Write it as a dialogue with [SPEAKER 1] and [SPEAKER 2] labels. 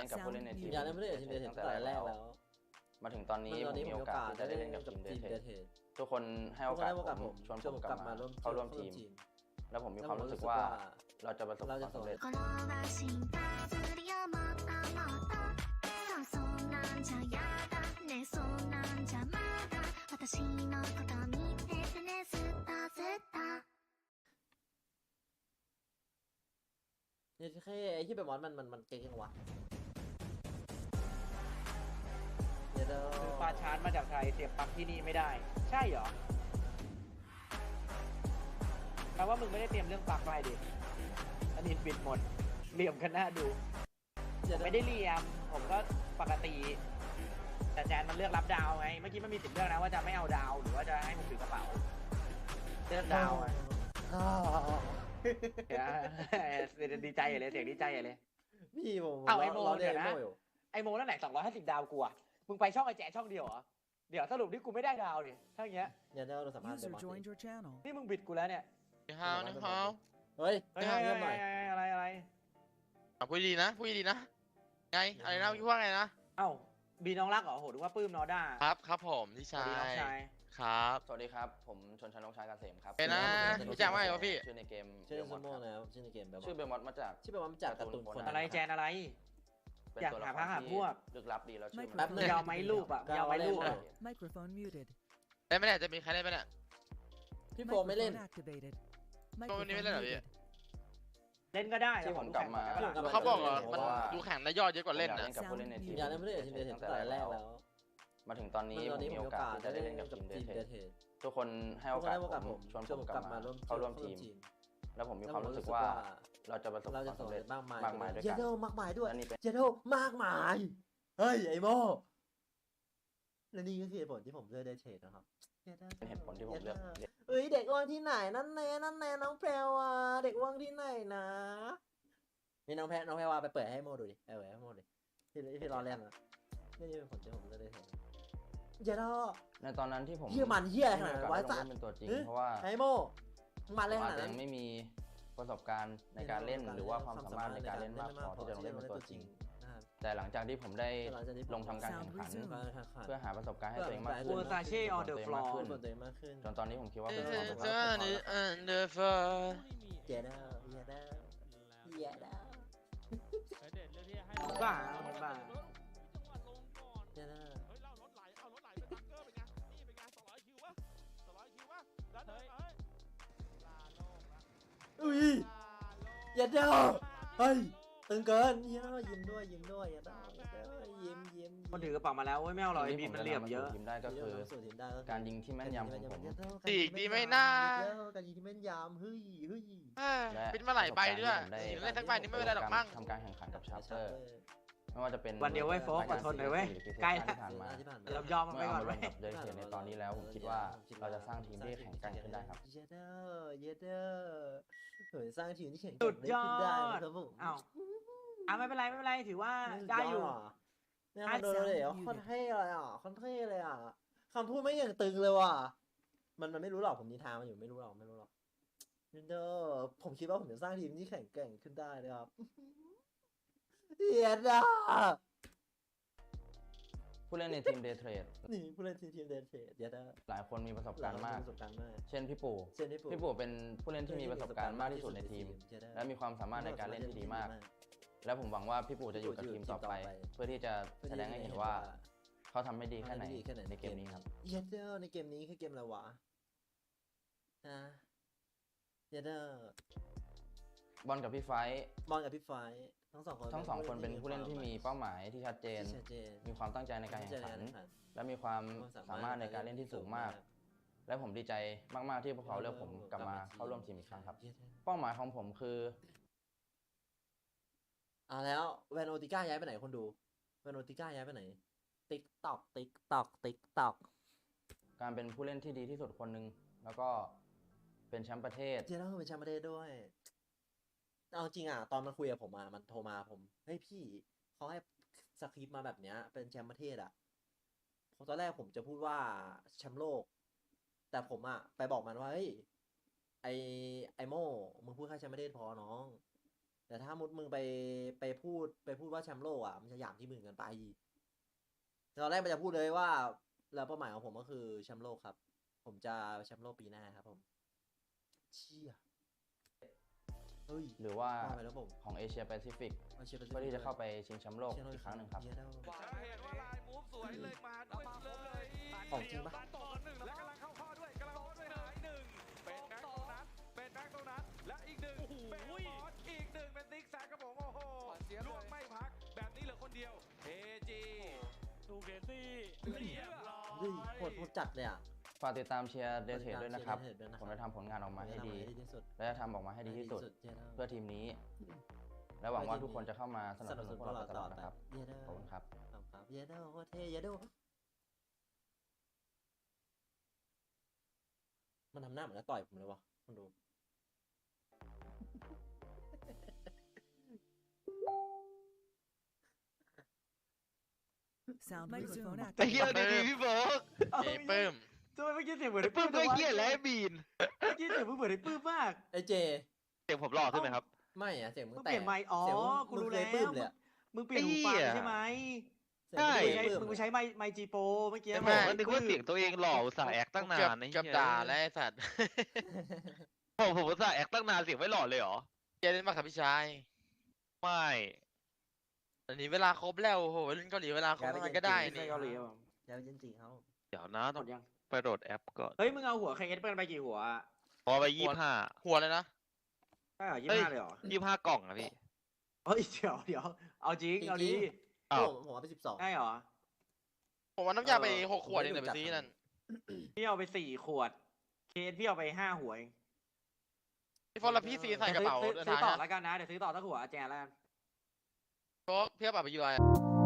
[SPEAKER 1] กับผู้เล่นในทีม
[SPEAKER 2] อย่าเล่นไม่ได้ทีมเดทตั้งแต่แรกแล้ว
[SPEAKER 1] มาถึงตอนนี้ผมมีโอกาสที่จะได้เล่นกับทีมเดททุกคนให้โอกาสผมชวนผมกลับมาเข้าร่วมทีมแล้วผมมีความรู้สึกว่าเราจะประสบความสำเร็จ
[SPEAKER 2] เนี่ยแค่ไอ้ที่เป็นมอสมันเก่งยังวะเดี๋ยว
[SPEAKER 3] ซื้อปลาชาร์จมาจากไทยเสียบปลั๊กที่นี่ไม่ได้ ใช่เหรอแปลว่ามึงไม่ได้เตรียมเรื่องปลั๊กไว้ดิอันนี้ปิดหมดเหลี่ยมกันหน้าดูไม่ได้เหลี่ยมผมก็ปกติแต่แจนมันเลือกรับดาวไงเมื่อกี้มันมีสิทธิ์เลือกนะว่าจะไม่เอาดาวหรือว่าจะให้ผมถือกระเป๋าเลือกดาวไงดีใจเลยเสียงดีใจเลย
[SPEAKER 2] พี่ผม
[SPEAKER 3] เอาไอโม
[SPEAKER 2] เดี๋
[SPEAKER 3] เดี๋ยวนะไอโมนั่นไหน250 ดาวกูอะมึงไปช่องไอแจ๊ช่องเดียวเหรอเดี๋ยวสรุปที่กูไม่ได้ดาวดิถ้าอย่างเงี้ย
[SPEAKER 2] เดี๋ยวเราสัมภาษณ์
[SPEAKER 4] User joined your channel.
[SPEAKER 3] นี่มึงบิดกูแล้วเนี่ย
[SPEAKER 5] นี่ฮาวนี่ฮาว
[SPEAKER 2] เฮ้ย
[SPEAKER 3] เฮ้ย
[SPEAKER 2] ห้ามเงียบหน่อย
[SPEAKER 3] อะไร
[SPEAKER 5] พูดดีนะพูดดีนะไงอะไรนะพี่ว่าไงนะ
[SPEAKER 3] เอ้าบีน้องรักเหรอโหดูว่าปื้มนอด้า
[SPEAKER 5] ครับผมพี่
[SPEAKER 3] สวั
[SPEAKER 5] ชา
[SPEAKER 3] สดีน้อง
[SPEAKER 5] ย
[SPEAKER 3] ชาย
[SPEAKER 5] ครับ
[SPEAKER 1] สวัสดีครับผมชนชนกชายเกษมครับ
[SPEAKER 5] เป็นนะพี่แจ้งว่าไงวะพี่
[SPEAKER 1] ชื่อในเกม
[SPEAKER 2] ชื่อ
[SPEAKER 1] เบลม
[SPEAKER 2] ซู
[SPEAKER 1] อด
[SPEAKER 2] โม่
[SPEAKER 1] ครับ
[SPEAKER 2] นะครับชื่อในเกมแบบ
[SPEAKER 1] ชื่อเบลมอดมาจาก
[SPEAKER 2] ชื่อแบบว่ามันจากการ์ตูนคน
[SPEAKER 3] อะไรแจนอะไร
[SPEAKER 1] เป็น
[SPEAKER 3] อยาก
[SPEAKER 1] ตัวละ
[SPEAKER 3] หา
[SPEAKER 1] ค
[SPEAKER 3] พระ
[SPEAKER 1] ร
[SPEAKER 3] หา
[SPEAKER 1] ที่
[SPEAKER 3] พวก
[SPEAKER 1] ลึกลับดีแล้วชื่อ
[SPEAKER 2] แป๊บนึง
[SPEAKER 3] ยาวไหมรูปอะยาวไหมรูปอะ
[SPEAKER 4] Microphone muted.
[SPEAKER 5] ได้ไหมเนี่ยจะมีใครได้ไหมเนี่ย
[SPEAKER 2] พี่โฟมไม่เล่น
[SPEAKER 4] Microphone activated.
[SPEAKER 5] วันนี้ไม่เล่นเหรอพี่
[SPEAKER 3] เล่นก็ได้
[SPEAKER 1] ที่ผมกลับมา
[SPEAKER 2] ที่ผมกลับ
[SPEAKER 5] เขาบอกเหรอมันดูแข่งได้ยอดเยอะกว่าเล่น
[SPEAKER 1] ผมอยาก
[SPEAKER 5] นะ
[SPEAKER 1] เล่นกับผู้เล่นในทีม
[SPEAKER 2] อย่าเล่นไม่ได้ทีมเดทตั้งแต่แรกแล้ว
[SPEAKER 1] มาถึงตอนนี้ผมมีโอกาสที่จะได้เล่นกับทีมเดททุกคนให้โอกาสผมชวนผมกลับมาเข้าร่วมทีมแล้วผมมีความรู้สึกว่าเราจะประสบความสำเร็จ
[SPEAKER 2] มากมาย
[SPEAKER 1] มากมายด้วย
[SPEAKER 2] เย
[SPEAKER 1] กัน
[SPEAKER 2] โดมากมายด้วย
[SPEAKER 1] และนี่เป็น
[SPEAKER 2] เยโดมากมายเฮ้ยไอโมและนี่ก็คือเหตุผลที่ผมเลือกได้เทรดนะครับ
[SPEAKER 1] เป็นเหตุผลที่ผมเลือกเล่น
[SPEAKER 2] เอ้ยเด็กว่างที่ไหนนั่นแน่น้องแพรวาเด็กว่างที่ไหนนะนี่น้องแพรวาไปเปิดให้โมดูดิเปิดให้โมดูดิพี่รอเล่นนะนี่เป็นผลที่ผมเลือกได้เทรดเยโด
[SPEAKER 1] ในตอนนั้นที่ผม
[SPEAKER 2] เฮียมันเฮียขนาด
[SPEAKER 1] ไม่มี
[SPEAKER 2] ไว้
[SPEAKER 1] โอกาส
[SPEAKER 2] สั
[SPEAKER 1] ได้
[SPEAKER 2] ต ว์
[SPEAKER 1] ลงเล่นเป็นตัวจริงเพราะว่า
[SPEAKER 2] ไอโมมันเลย
[SPEAKER 1] ผม
[SPEAKER 2] ข
[SPEAKER 1] อาจ
[SPEAKER 2] นาด
[SPEAKER 1] จะ
[SPEAKER 2] นั้
[SPEAKER 1] ยั
[SPEAKER 2] น
[SPEAKER 1] งไม่มีประสบการณ์ในการเล่นหรือว่าความสามารถในการเล่นมากพอที่จะลงเล่นเป็นตัวจริง แต่หลังจากที่ผมได้ลงทำการแข่งขัน เพื่อหาประสบการณ์ให้ตัวเองมากขึ้น
[SPEAKER 3] เวอร์ซาเช่ on the
[SPEAKER 1] ตัวเอง
[SPEAKER 3] floor
[SPEAKER 1] มากขึ้น
[SPEAKER 2] ตัวเองมากขึ้น
[SPEAKER 1] จนตอนนี้ผมคิดว่าเป็น
[SPEAKER 5] เอ
[SPEAKER 1] ความ
[SPEAKER 5] อ
[SPEAKER 1] สำ
[SPEAKER 5] เจ
[SPEAKER 1] เร็จ
[SPEAKER 5] อ
[SPEAKER 1] ของ
[SPEAKER 5] นี่
[SPEAKER 1] เขา
[SPEAKER 5] อันเดอร์ฟอร์
[SPEAKER 2] เยโดเยโดเยโด
[SPEAKER 3] บ้า
[SPEAKER 2] เยโด
[SPEAKER 6] เฮ้ยเล่ารถไหลเอารถไหลไปบังเกอร์เป็นไงนี่เป็นไง200 คิววะ200 คิววะแล้วเดินไปลาโลกละ
[SPEAKER 2] อุ้ย
[SPEAKER 6] ลาโลก
[SPEAKER 2] เยโดเฮ้ยตึงเกินเยโดยิ้มด้วยเยโดยิ้ม
[SPEAKER 3] คนถือกระเป๋ามาแล้วไม่เอาหรอกไอ้บีมันเหลี่ยมเยอะ
[SPEAKER 1] ทีมได้ก็คือการยิงที่แม่นยำของผม
[SPEAKER 5] ตีกดีไม่น่า
[SPEAKER 2] การยิงที่แม่นยำเฮ้ย
[SPEAKER 5] เป็นมาหลายใบด้วยสีเล่นทั้งใบนี่ไม่เป็นไรหรอกมั้ง
[SPEAKER 1] ทำการแข่งขันกับชาร์เตอร์ไม่ว่าจะเป็น
[SPEAKER 3] วันเดียวเว้ยโฟกอดทนหน่อยเว้ยใกล้แล้ว
[SPEAKER 1] ที่ผ่านมา
[SPEAKER 3] เรายอมมัน
[SPEAKER 1] เมื่
[SPEAKER 3] ไป
[SPEAKER 1] อ
[SPEAKER 3] ก่
[SPEAKER 1] เอา
[SPEAKER 3] อน
[SPEAKER 1] มาล
[SPEAKER 3] เว้
[SPEAKER 1] ง
[SPEAKER 3] ย
[SPEAKER 1] กับเดลิเทในตอนนี้แล้วผมคิดว่าเราจะสร้างทีมที่แข็งแกร่งขึ้นได้ครับ
[SPEAKER 2] เยโดเฮ้ยสร้างทีมที่แข็ง
[SPEAKER 3] สุดยอ
[SPEAKER 2] ได้
[SPEAKER 3] ด
[SPEAKER 2] ครับผม
[SPEAKER 3] อ้าวไม่เป็นไรถือว่าได้อยู่
[SPEAKER 2] เนี่ยคอนโดเลยคอนเท่เลยคอนเท่เลยคำพูดไม่อย่างตึงเลยว่ะมันไม่รู้หรอกผมนิทานมันอยู่ไม่รู้หรอกเด้อผมคิดว่าผมจะสร้างทีมที่แข็งแกร่งขึ้นได้นะครับเฮียดา
[SPEAKER 1] ผู้เล่นในทีมเดย์เทรด
[SPEAKER 2] นี่ผู้เล่นทีมเดนเทเฮียดา
[SPEAKER 1] หลายคนมีประสบการณ์มาก
[SPEAKER 2] ประสบการณ์มาก
[SPEAKER 1] เช่นพี่ปู่
[SPEAKER 2] เช่นพี่
[SPEAKER 1] พี่
[SPEAKER 2] ปู่
[SPEAKER 1] ปู่เป็นผู้เล่นที่มีประสบการณ์มากที่สุดในทีม และมีความสามารถในการเล่นที่ดีมาก และผมหวังว่าพี่ปู่จะอยู่กับทีมต่อไป เพื่อที่จะแสดงให้เห็นว่าเขาทำไม่ดีแค่ไหนในเกมนี้ครับ
[SPEAKER 2] เฮียดาในเกมนี้คือเกมอะไรวะนะเฮียดา
[SPEAKER 1] บอลกับพี่ไฟท์
[SPEAKER 2] มองกับพี่ไฟทั้งสองคน
[SPEAKER 1] เป็นผู้เล่นที่มีเป้าหมายที่ชัดเจน
[SPEAKER 2] ชัดเจน
[SPEAKER 1] มีความตั้งใจในการแข่งขัน และมีความสามารถในการเล่นที่สูงมาก และผมดีใจมากๆที่พวกเขาเลือกผมกลับมาเข้าร่วมทีมอีกครั้งครับ เป้าหมายของผมคือ
[SPEAKER 2] แล้วแวนโอติก้าย้ายไปไหนคนดูแวนโอติก้าย้ายไปไหนติ๊กตอก
[SPEAKER 1] การเป็นผู้เล่นที่ดีที่สุดคนหนึ่งแล้วก็เป็นแชมป์ประเทศ
[SPEAKER 2] เจแล้วเป็นแชมป์ประเทศด้วยเอาจริงตอนมันคุยกับผมมันโทรมาผมเฮ้ยพี่เขาให้สคริปต์มาแบบเนี้ยเป็นแชมป์ประเทศตอนแรกผมจะพูดว่าแชมป์โลก แต่ผมไปบอกมันว่าเฮ้ยไอโม่มึงพูดแค่แชมป์ประเทศพอน้องแต่ถ้ามุดมึงไปพูดว่าแชมป์โลกอ่ะมันจะหยามที่มึงเกันไปตอนแรกมันจะพูดเลยว่า แล้วเป้าหมายของผมก็คือแชมป์โลกครับ ผมจะแชมป์โลกปีหน้าครับผมเชี่ยเฮ้ย
[SPEAKER 1] หรือว่า
[SPEAKER 2] ไปแล้วผม
[SPEAKER 1] ของเอเชียแปซิฟิก
[SPEAKER 2] เอาเชียร์
[SPEAKER 1] เพื่อที่จะเข้าไปชิงแชมป์โลก
[SPEAKER 2] เชียร์
[SPEAKER 1] อีกครั้งหนึ่งครับ
[SPEAKER 2] เชียร์ได้
[SPEAKER 6] จะเห็นว่าลายมูฟสวยเลยมาด้วยเลย
[SPEAKER 2] ของจริงปะ
[SPEAKER 6] ต่อหนึ่งและกำลังเข้าข้อด้วยกำลังเข้าข้อด้วยหายหนึ่งเป็นแม็กตรงนั้นเป็นแม็กตรงนั้นและอีกหนึ่งเป็นบอสอีกหนึ่งเป็นติ๊กแซกครับผมโอ้โหล่วงไม่พักแบบนี้เหลือคนเดียวเอจีดูเคซี่เรียบร้อย
[SPEAKER 2] เฮ้ยโหดจัดเลยอ่ะ
[SPEAKER 1] ฝากติดตามเชียร์เดทเทดด้วยนะครับ
[SPEAKER 2] เชียร์ Dead Trade ด้วยนะครับ
[SPEAKER 1] ผมจะทำผลงานออกมาให้ดี
[SPEAKER 2] ที่สุด
[SPEAKER 1] และจะทำออกมาให้ดีที่สุด
[SPEAKER 2] เชียร์ได้
[SPEAKER 1] เพื่อทีมนี้ และหวังว่าทุกคนจะเข้ามาสนับสนุนพวกเราไปตลอดนะครับ
[SPEAKER 2] เยเดอร์
[SPEAKER 1] ขอบคุณครับ
[SPEAKER 2] ครับเยเดอร์โคตรเท่เยเดอร์มันทำหน้าเหมือนจะต่อยผมเลยวะคุณดู
[SPEAKER 4] Sound microphone
[SPEAKER 5] ไอ้
[SPEAKER 4] activated.
[SPEAKER 5] เหี้ยดีๆพี่โบ๊คเอ้ยปื้ม
[SPEAKER 3] ทำไมเมื่อกี้เสียงเหมือนไอ้
[SPEAKER 5] ปื้
[SPEAKER 3] ปื้
[SPEAKER 5] ม
[SPEAKER 3] ม
[SPEAKER 5] ก็เหี้ยและบีน
[SPEAKER 3] เมื่อกี้เสียงมึงเหมือนไอ้ปื้มมาก
[SPEAKER 2] ไอเจ
[SPEAKER 5] เสียงผมหล่อขึ้นไหมครับ
[SPEAKER 2] ไม่อะเสียงมึง
[SPEAKER 3] มึง
[SPEAKER 2] แต
[SPEAKER 3] เปลี่ยนไมค์อ๋อ
[SPEAKER 2] เสียงมึง
[SPEAKER 3] กูรู้แล้ว
[SPEAKER 2] มึงเคยปลื้มเลยอะ
[SPEAKER 3] มึงเปลี่ยนหูฟัง
[SPEAKER 5] ไอ้เหี้ย
[SPEAKER 3] ใช่ไหม
[SPEAKER 2] เสียง
[SPEAKER 5] ใช่
[SPEAKER 2] มึง
[SPEAKER 3] มึง
[SPEAKER 2] เคยปลื้ม
[SPEAKER 3] ใช้ไมค์จีโปเมื่อกี้
[SPEAKER 5] ผมก็นึกว่าเสียงตัวเองหล่ออุตส่าห์แอคตั้งนานนะ
[SPEAKER 7] เกือบด่าแล้วไอ้สัตว์
[SPEAKER 5] ผมอุตส่าห์แอคตั้งนานเสียงไม่หล่อเลยเหรอ
[SPEAKER 7] เจเล่นมากครับพี่ชาย
[SPEAKER 5] ไม่
[SPEAKER 7] อันนี้เวลาครบแล้วโอ้โหเล่นเกาหลีเวลาครบมันก็ได้
[SPEAKER 3] ไม่
[SPEAKER 7] นี่
[SPEAKER 3] ใช่เกาหลีครับผม
[SPEAKER 2] ยาวจริงๆเขา
[SPEAKER 5] เดี๋ยวนะ
[SPEAKER 3] ห
[SPEAKER 5] ต้
[SPEAKER 3] ม
[SPEAKER 5] อง
[SPEAKER 3] ดยัง
[SPEAKER 5] ไปโหลดแอปก่อน
[SPEAKER 3] เฮ้ยมึงเอาหัวเคเอสเปิ้ลไปกี่หัวอะ
[SPEAKER 5] พอไป25
[SPEAKER 7] หัวเลยนะ
[SPEAKER 3] ใช่เหรอ
[SPEAKER 5] เฮ้ย
[SPEAKER 3] 25เลยเหรอ
[SPEAKER 5] 25กล่องอะพี่
[SPEAKER 3] เฮ้ยเดี๋ยวเอาจริงเอาดี
[SPEAKER 5] อ้าว
[SPEAKER 2] ผมเอาไป12
[SPEAKER 3] ได้เหรอ
[SPEAKER 7] ผมว่าน้ำยาไป
[SPEAKER 2] เออ
[SPEAKER 7] 6 ขวด
[SPEAKER 2] ผม
[SPEAKER 7] เอง
[SPEAKER 2] ไม่
[SPEAKER 7] เดี๋ยวไป
[SPEAKER 2] รู้จัก
[SPEAKER 7] ซื้อนั่น
[SPEAKER 3] พี่เอาไป4 ขวด เคสพี่เอาไป5 หัวเอง
[SPEAKER 7] พี่ฟอนแล้วพี่ซีใส่กระเป๋า
[SPEAKER 3] ซื้อ
[SPEAKER 7] เดิน
[SPEAKER 3] ซื้อ
[SPEAKER 7] ทาง
[SPEAKER 3] ต่อ
[SPEAKER 7] นะ
[SPEAKER 3] แล้วกันนะ เดี๋ยวซื้อต่อสักหัวแจนแล้วกัน
[SPEAKER 7] เพราะพี่เอาไปอยู่ไร